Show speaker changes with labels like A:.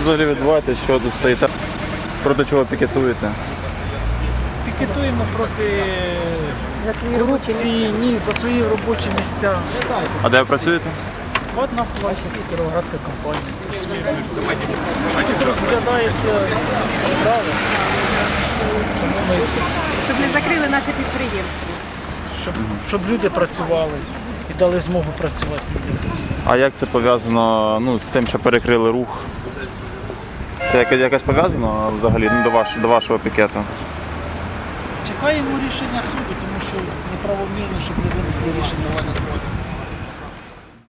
A: взагалі відбувається, що тут стоїте? Проти чого пікетуєте?
B: Пікетуємо проти корупції, ні, за свої робочі місця.
A: А де ви працюєте?
B: От на платі Кіровоградська компанія. Що тут розглядається справи? Тому ми
C: Щоб не закрили наше підприємство.
B: щоб люди працювали і дали змогу працювати людям.
A: А як це пов'язано з тим, що перекрили рух? Це якось пов'язано взагалі до вашого пікету?
B: Чекаємо рішення суду, тому що неправомірно, щоб не винесли рішення суду.